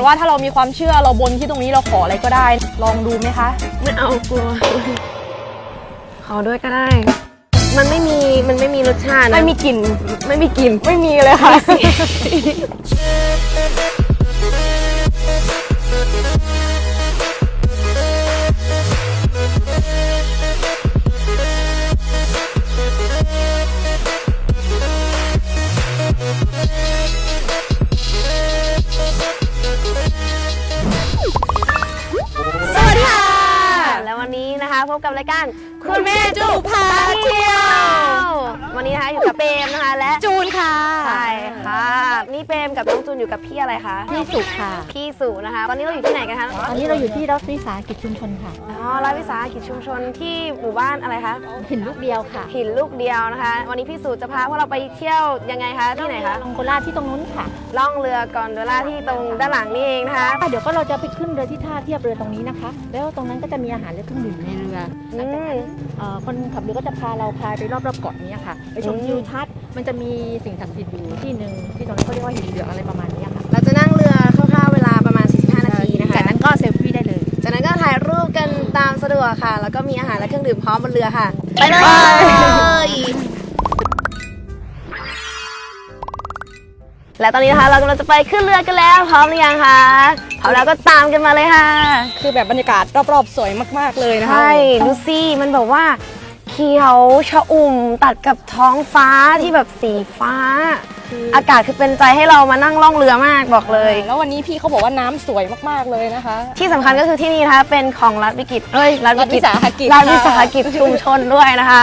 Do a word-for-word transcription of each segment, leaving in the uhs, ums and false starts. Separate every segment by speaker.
Speaker 1: ว่าถ้าเรามีความเชื่อเราบนที่ตรงนี้เราขออะไรก็ได้ลองดูไหมคะ
Speaker 2: ไม่เอากลัวขอด้วยก็ได้มันไม่มีมันไม่มีรสชาติ
Speaker 1: ไม่มีกลิ่น
Speaker 2: ไม่มีกลิ่น
Speaker 1: ไม่มีเลยค่ะ
Speaker 2: พบกับรายการคุณแม่จูพาเที่ยววันนี้นะคะอยู่กับเปรมนะคะและ
Speaker 1: จูนค่ะ
Speaker 2: ใช่ค่ะนี่เปรมกับน้องจูนอยู่กับพี่อะไรคะ
Speaker 3: พี่สุค่ะ
Speaker 2: พี่สุนะคะตอนนี้เราอยู่ที่ไหนกันคะ
Speaker 3: ตอนนี้เราอยู่ที่รัฐวิสาหกิจชุมชนค่ะ
Speaker 2: อ๋อรัฐวิสาหกิจชุมชนที่หมู่บ้านอะไรคะ
Speaker 3: หินลูกเดียวค่ะ
Speaker 2: หินลูกเดียวนะคะวันนี้พี่สุจะพาพวกเราไปเที่ยวยังไงคะที่ไหนคะ
Speaker 3: ลองโกล่าที่ตรงนู้นค่ะ
Speaker 2: ล่องเรือกอนโดล่าที่ตรงด้านหลังนี่เองนะคะ
Speaker 3: เดี๋ยวก็เราจะไปขึ้นเรือที่ท่าเทียบเรือตรงนี้นะคะแล้วตรงนั้นก็จะมีอาหารและเครื่องดื่มในเรือคนขับเรือก็จะพาเราพายไปรอบๆเกาะนี้ค่ะไปชมทิวทัศน์มันจะมีสิ่งศักดิ์สิทธิ์อยู่ที่หนึ่งที่ตรงนั้นเขาเรียกว่าหินเหลืองอะไรประมาณนี้ค่ะ
Speaker 2: เราจะนั่งเรือคร่าวๆเวลาประมาณสี่สิบห้านาทีนะคะ
Speaker 3: จากนั้นก็เซลฟี่ได้เลย
Speaker 2: จากนั้นก็ถ่ายรูปกันตามสะดวกค่ะแล้วก็มีอาหารและเครื่องดื่มพร้อมบนเรือค่ะไปเลยและตอนนี้นะคะเรากำลังจะไปขึ้นเรือกันแล้วพร้อมหรือยังคะพร้อมแล้วก็ตามกันมาเลยค่ะ
Speaker 1: คือแบบบรรยากาศรอบๆสวยมากๆเลยนะคะ
Speaker 2: ใช่ดูสิมันแบบว่าเขียวชอุ่มตัดกับท้องฟ้าที่แบบสีฟ้าอากาศคือเป็นใจให้เรามานั่งล่องเรือมากบอกเลย
Speaker 1: แล้ววันนี้พี่เขาบอกว่าน้ำสวยมากๆเลยนะคะ
Speaker 2: ที่สำคัญก็คือที่นี่นะคะเป็นของรัฐวิกิจเอ้ย
Speaker 1: รัฐวิสาหกิจ
Speaker 2: รัฐวิสาหกิจชุมชนด้วยนะคะ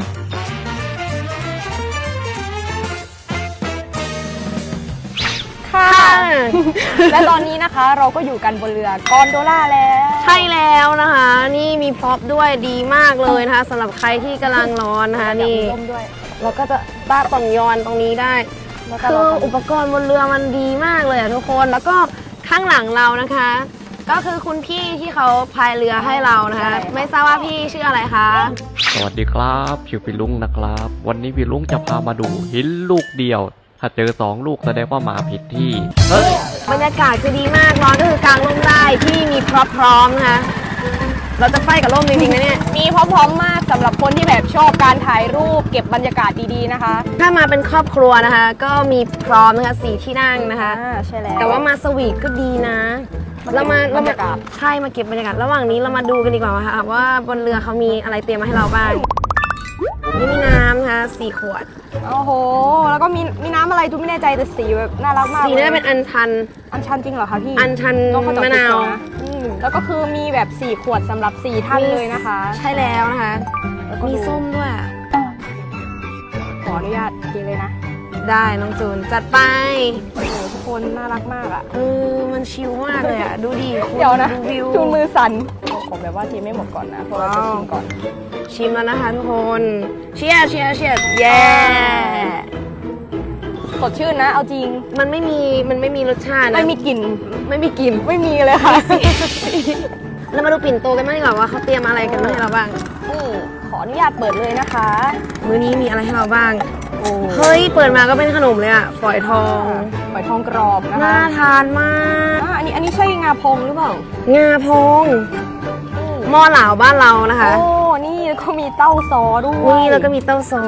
Speaker 1: ค่ะและตอนนี้นะคะเราก็อยู่กันบนเรือกอนโดล่าแล้ว
Speaker 2: ใช่แล้วนะคะนี่มีพร็อพด้วยดีมากเลยนะคะสำหรับใครที่กำลังร้อนนะคะนี่เราก็จะต้าต่องยอนตรงนี้ได้คืออุปกรณ์บนเรือมันดีมากเลยอะทุกคนแล้วก็ข้างหลังเรานะคะก็คือคุณพี่ที่เขาพายเรือให้เรานะคะไม่ทราบว่าพี่ชื่ออะไรคะ
Speaker 4: สวัสดีครับชื่อพี่ลุงนะครับวันนี้พี่ลุงจะพามาดูหินลูกเดียวถ้าเจอสองลูกแสดงว่ามาผิดที่เฮ้ย
Speaker 2: บรรยากาศคือดีมากร้อนก็คือกางร่มได้ที่มีพร็อพพร้อมนะคะเราจะไฟกับร่มจริงๆนะเนี่ย
Speaker 1: มีพร้อมๆมากสำหรับคนที่แบบชอบการถ่ายรูปเก็บบรรยากาศดีๆนะคะ
Speaker 2: ถ้ามาเป็นครอบครัวนะคะก็มีพร้อมนะคะสี่ที่นั่งนะคะ
Speaker 1: ใช่แล้ว
Speaker 2: แต่ว่ามาสวีทก็ดีนะเรามาเรามาใช่มาเก็บบรรยากาศระหว่างนี้เรามาดูกันดีกว่าค่ะว่าบนเรือเขามีอะไรเตรียมมาให้เราบ้างนี่มีน้ำนะคะสี่ขวด
Speaker 1: โอ้โหแล้วก็มีมีน้ำอะไรทุกไม่แน่ใจแต่สีแบบน่ารักมาก
Speaker 2: สีน่าจะเป็นอัญชัน
Speaker 1: อัญชันจริงเหรอคะพี่
Speaker 2: อัญชันมะนาว
Speaker 1: แล้วก็คือมีแบบสี่ขวดสำหรับสี่ท่านเลยนะคะ
Speaker 2: ใช่แล้วนะคะมีส้มด้วย
Speaker 1: ขออนุญาตกินเลยนะ
Speaker 2: ได้น้องจูนจัดไป
Speaker 1: โอ้โหทุกคนน่ารักมากอ่ะ
Speaker 2: เออมันชิลมากเลยอ่ะดูดิ
Speaker 1: เดี๋ยวนะดูมือสั่นผมแบบว่าทีไม่หมดก่อนนะเพราะเราจะชิมก่อน
Speaker 2: ชิมแล้วนะคะทุกคนเชียร์เชียร์เชียร์เย้
Speaker 1: สดชื่นนะเอาจริง
Speaker 2: มันไม่มีมันไม่มีรสชาติ
Speaker 1: ไม่มีกลิ่น
Speaker 2: ไม่มีกลิ่น
Speaker 1: ไม่มีเลยค่ะ
Speaker 2: เรามาดูปิ่นโตกันบ้างดีกว่าว่าเขาเตรียมอะไรกันมาให้เราบ้าง
Speaker 1: นี่ขออนุญาตเปิดเลยนะคะ
Speaker 2: มื้อนี้มีอะไรให้เราบ้างเฮ้ยเปิดมาก็เป็นขนมเลยอะฝอยทอง
Speaker 1: ฝอยทองกรอบนะคะ
Speaker 2: น่าทานมาก
Speaker 1: อันนี้อันนี้ใช่งาพงหรือเปล่าง
Speaker 2: าพงหม้อเหลาบ้านเรานะคะ
Speaker 1: โอ้นี่ก็มีเต้าซอด้วย
Speaker 2: นี่แล้วก็มีเต้าซอ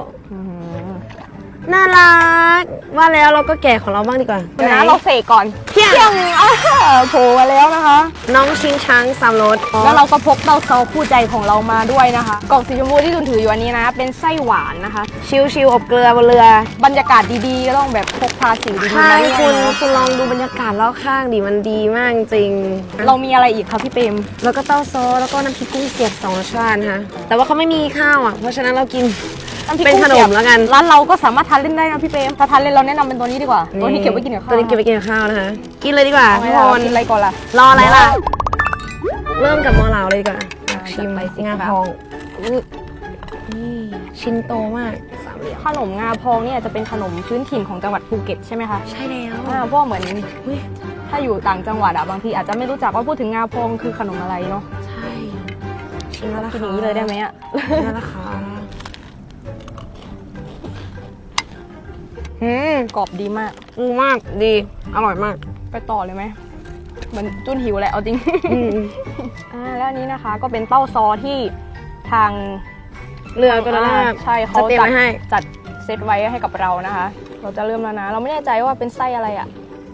Speaker 2: น่ารักว่าแล้วเราก็แกะของเราบ้างดีกว่า
Speaker 1: นะเราเสกก่อน
Speaker 2: เที่ยง
Speaker 1: โผล่มาแล้วนะคะ
Speaker 2: น้องชิงช้างสามรส
Speaker 1: แล้วเราก็พกเต้าซอคู่ใจของเรามาด้วยนะคะกล่องสีชมพูที่คุณถืออยู่อันนี้นะเป็นไส้หวานนะคะ
Speaker 2: ชิวๆอบเกลือบนเรือบ
Speaker 1: รรยากาศดีๆก็ต้องแบบพกพาสิ่งดีๆ
Speaker 2: มาคุณคุณลองดูบรรยากาศรอบข้างดิมันดีมากจริง
Speaker 1: เรามีอะไรอีกคะพี่เปรม
Speaker 2: แล้วก็เต้าซอแล้วก็น้ำพริกกุ้งเสียบสองรสชาตินะคะแต่ว่าเขาไม่มีข้าวอ่ะเพราะฉะนั้นเรากินเป็นขนมแล้วกัน
Speaker 1: ร้านเราก็สามารถทานเล่นได้นะพี่เปรมถ้าทานเล่นเราแนะนำเป็นตัวนี้ดีกว่าตัวนี้เก็บไว้กินกับข้าว
Speaker 2: ตัวนี้เก็บไว้กินกับข้าวนะคะกินเลยดีกว่าทุกคน
Speaker 1: กินอะไรก่อนล่ะ
Speaker 2: รออะไรล่ะเริ่มกับมอเหลาเลยดีกว่าชิมไปงาพองนี่ชิ้นโตมาก
Speaker 1: ขนมงาพองเนี่ยจะเป็นขนมพื้นถิ่นของจังหวัดภูเก็ตใช่ไหมคะ
Speaker 2: ใช่แล้ว
Speaker 1: เพราะเหมือนถ้าอยู่ต่างจังหวัดอะบางทีอาจจะไม่รู้จักว่าพูดถึงงาพองคือขนมอะไรเนาะ
Speaker 2: ใช่ชิมแล้ว
Speaker 1: กินอย่างนี้เลยได้ไหมอะ
Speaker 2: แล้วนะคะ
Speaker 1: อืมกรอบดีมาก
Speaker 2: อืมมากดีอร่อยมาก
Speaker 1: ไปต่อเลยไหมเหมือนจุนหิวแหละเอาจริง
Speaker 2: อืม
Speaker 1: อ่าแล้วอันนี้นะคะก็เป็นเต้าซอที่ทาง
Speaker 2: เรือก็ได้
Speaker 1: ใช่เขา
Speaker 2: จะเตรียม
Speaker 1: จัด
Speaker 2: ไว้ให้
Speaker 1: จัดเซตไว้ให้กับเรานะคะ เราจะเริ่มแล้วนะ เราไม่แน่ใจว่าเป็นไส้อะไรอะ่ะ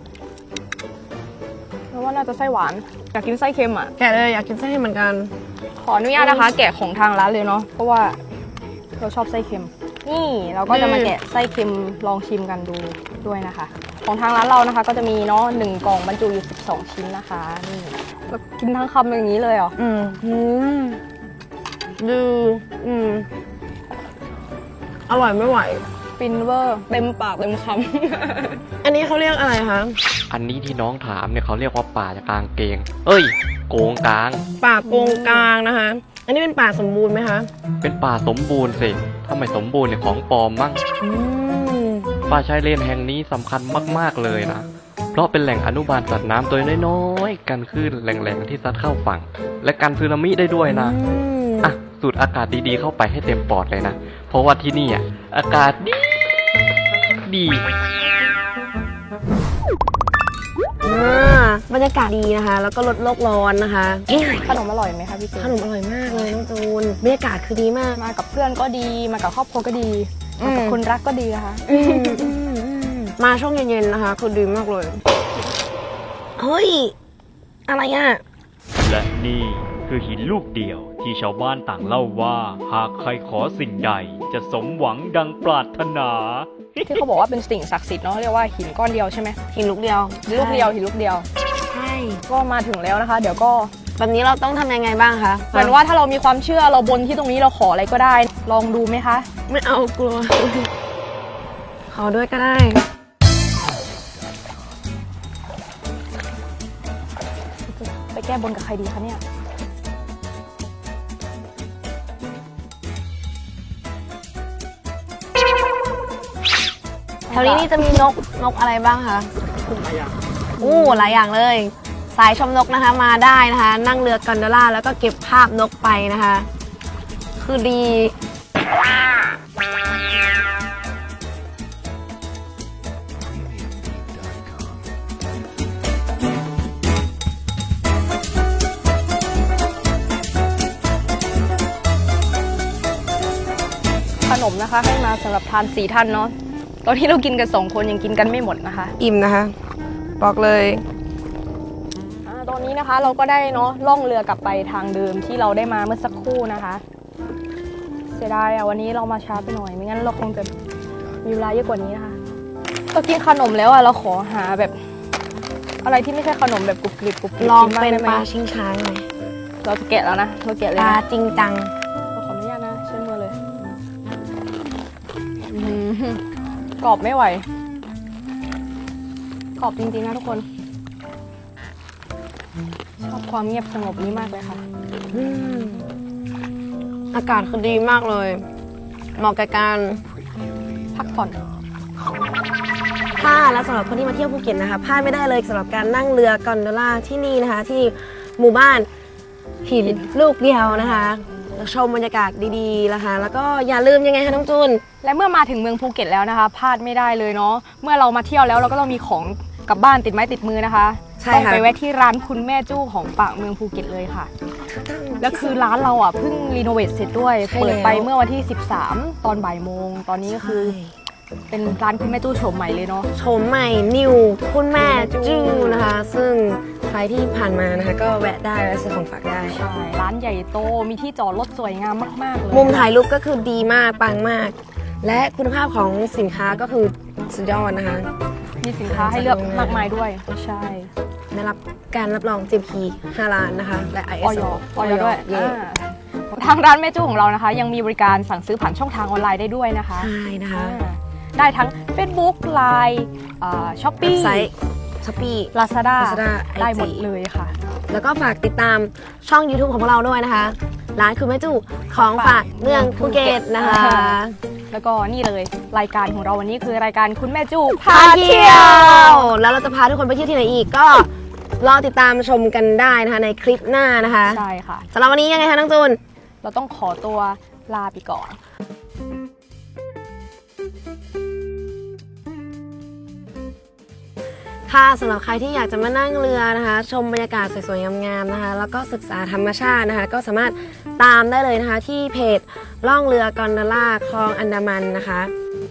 Speaker 1: เพราะว่าน่าจะไส้หวานอยากกินไส้เค็มอะ่ะ
Speaker 2: แกะเลยอยากกินไส้เหมือนกัน
Speaker 1: ขออนุญาตนะคะ แกะของทางร้านเลยเนาะเพราะว่าเราชอบไส้เค็ม นี่เราก็จะมาแกะไส้เค็มลองชิมกันดูด้วยนะคะ ของทางร้านเรานะคะ ก็จะมีเนาะหนึ่งกล่องบรรจุอยู่สิบสองชิ้นนะคะนี่เรากินทั้งคำอย่างนี้เลยเหรอ
Speaker 2: อืมอืมดูอืมอร่อยไม่ไหว
Speaker 1: ฟินเวอร์เต็มปากเต็มค
Speaker 2: อันนี้เขาเรียกอะไรคะ
Speaker 4: อันนี้ที่น้องถามเนี่ยเขาเรียกว่าป่ากลางเกง เอ้ย โกงกลาง
Speaker 2: ป่าโกงกลางนะคะ อันนี้เป็นป่าสมบูรณ์ไหมคะ
Speaker 4: เป็นป่าสมบูรณ์สิถ้าไม่สมบูรณ์เนี่ยของปลอมมั้ง
Speaker 2: อืม
Speaker 4: ป่าชายเลนแห่งนี้สำคัญมากๆเลยนะ เพราะเป็นแหล่งอนุบาลสัตว์น้ำตัวน้อยๆ กันคลื่นแหล่งๆที่ซัดเข้าฝั่ง และกันสึนามิได้ด้วยนะ
Speaker 2: อืม
Speaker 4: อ่ะ สูดอากาศดีๆเข้าไปให้เต็มปอดเลยนะ เพราะว่าที่นี่อ่ะ อากาศดีดี
Speaker 2: อ่าบรรยากาศดีนะคะ แล้วก็ลดโลกร้อนนะคะ
Speaker 1: ำขนมอร่อยไหมคะพี่เจ
Speaker 2: ขนมอร่อยมากเลยน้องจูนบรรยากาศคือดีมาก
Speaker 1: มากับเพื่อนก็ดีมากับครอบครัวก็ดี
Speaker 2: อื
Speaker 1: มาม กับคนรักก็ดีนะคะ
Speaker 2: อืมอืมอืมมาช่วงเย็นๆนะคะคือดีมากเลย เฮ้ย อะไรอ่ะ
Speaker 5: และนี่คือหินลูกเดียวที่ชาวบ้านต่างเล่าว่า หากใครขอสิ่งใดจะสมหวังดังปรารถนา
Speaker 1: ที่เขาบอกว่าเป็นสิ่งศักดิ์สิทธิ์เนาะเรียกว่าหินก้อนเดียวใช่ไหม
Speaker 2: หินลูกเดียว
Speaker 1: หินลูกเดียวหินลูกเดียว
Speaker 2: ใช่
Speaker 1: ก็มาถึงแล้วนะคะ เดี๋ยวก็
Speaker 2: แบบนี้เราต้องทำยังไงบ้างคะ
Speaker 1: เหมือนว่าถ้าเรามีความเชื่อเราบนที่ตรงนี้เราขออะไรก็ได้ ลองดูไหมคะ
Speaker 2: ไม่เอากลัว ขอด้วยก็ได้
Speaker 1: ไปแก้บนกับใครดีคะเนี่ย
Speaker 2: แถวนี้นี่จะมีนกนกอะไรบ้างคะอู้หลายอย่างเลย สายชมนกนะคะมาได้นะคะ นั่งเรือกอนโดล่าแล้วก็เก็บภาพนกไปนะคะ คือดี
Speaker 1: ขนมนะคะให้มาสำหรับทานสี่ท่านเนาะตอนที่เรากินกันสองคนยังกินกันไม่หมดนะคะ
Speaker 2: อิ่มนะคะ บอกเลย
Speaker 1: อ่าตอนนี้นะคะเราก็ได้เนาะล่องเรือกลับไปทางเดิมที่เราได้มาเมื่อสักครู่นะคะ เสียดายอะวันนี้เรามาช้าไปหน่อยไม่งั้นเราคงจะมีเวลาเยอะกว่านี้นะคะเรากินขนมแล้วอะเราขอหาแบบ อะไรที่ไม่ใช่ขนมแบบกรุบกริบกรุบกริบ
Speaker 2: ลอง
Speaker 1: กิบ้า
Speaker 2: เป็น
Speaker 1: ได้ไหม
Speaker 2: ปลาชิงช้างไหม
Speaker 1: เราจะแกะแล้วนะเราแกะเลย
Speaker 2: ปลา
Speaker 1: นะ
Speaker 2: จริงจัง
Speaker 1: เราขออนุญาตนะเชื่อมือเลยอื้อหือกรอบไม่ไหวกรอบจริงๆนะทุกคนชอบความเงียบสงบนี้มากเลยค่ะ
Speaker 2: อืมอากาศคือดีมากเลยเหมาะกับการ
Speaker 1: พักผ่อน
Speaker 2: ถ้าและสำหรับคนที่มาเที่ยวภูเก็ตนะคะพลาดไม่ได้เลยสำหรับการนั่งเรือกอนโดล่าที่นี่นะคะ ที่หมู่บ้านหินลูกเดียวนะคะชมบรรยากาศดีๆนะคะ แล้วก็อย่าลืมยังไงคะน้องจูน
Speaker 1: และเมื่อมาถึงเมืองภูเก็ตแล้วนะคะพลาดไม่ได้เลยเนาะเมื่อเรามาเที่ยวแล้วเราก็ต้องมีของกลับบ้านติดไม้ติดมือนะคะ
Speaker 2: ใช่
Speaker 1: ต้อง
Speaker 2: ค่ะ
Speaker 1: ไปแวะที่ร้านคุณแม่จู้ของฝากเมืองภูเก็ตเลยค่ะแล้วคือร้านเราอ่ะเพิ่งรีโนเวทเสร็จด้วยเปิดไปเมื่อวันที่สิบสามตอนบ่ายโมงตอนนี้ก็คือเป็นร้านคุณแม่จู้โฉมใหม่เลยเนาะ
Speaker 2: โฉมใหม่นิวคุณแม่จู้นะคะ ซึ่งใครที่ผ่านมานะคะ ก็แวะได้แวะซื้อของฝากได้
Speaker 1: ใช่ร้านใหญ่โตมีที่จอดรถสวยงามมากๆเลย
Speaker 2: มุมถ่ายรูปก็คือดีมากปังมาก และคุณภาพของสินค้าก็คือสุดยอดนะคะ
Speaker 1: มีสินค้าให้เลือกมากมายด้วยใช่
Speaker 2: ได้รับการรับรอง จี พี ห้าล้านนะคะ และ ไอ เอ
Speaker 1: ออ
Speaker 2: ส
Speaker 1: ย
Speaker 2: โอ
Speaker 1: ออยด้วย
Speaker 2: เย่
Speaker 1: อ่าทางร้านแม่จู้ของเรานะคะ ยังมีบริการสั่งซื้อผ่านช่องทางออนไลน์ได้ด้วยนะคะ
Speaker 2: ใช่นะคะ
Speaker 1: อ่าได้ทั้ง Facebook ไลน์ ช้อปปี้
Speaker 2: ไซต์ช้อปปี้
Speaker 1: ลาซาด้า
Speaker 2: Lazada
Speaker 1: ได้หมด
Speaker 2: ไอจี
Speaker 1: เลยค่ะ
Speaker 2: แล้วก็ฝากติดตามช่อง YouTube ของพวกเราด้วยนะคะ ร้านคือแม่จู้ของฝากเมืองภูเก็ตนะคะ
Speaker 1: แล้วก็นี่เลยรายการของเราวันนี้คือรายการคุณแม่จู้
Speaker 2: พาเที่ยว แล้วเราจะพาทุกคนไปเที่ยวที่ไหนอีกก็รอติดตามชมกันได้นะคะในคลิปหน้านะคะ
Speaker 1: ใช่ค่ะ
Speaker 2: สำหรับวันนี้ยังไงคะน้องจูน
Speaker 1: เราต้องขอตัวลาไปก่อน
Speaker 2: ค่ะสำหรับใครที่อยากจะมานั่งเรือนะคะ ชมบรรยากาศสวยๆงามๆนะคะ แล้วก็ศึกษาธรรมชาตินะคะ ก็สามารถตามได้เลยนะคะที่เพจล่องเรือกอนดอล่าคลองอันดามันนะคะ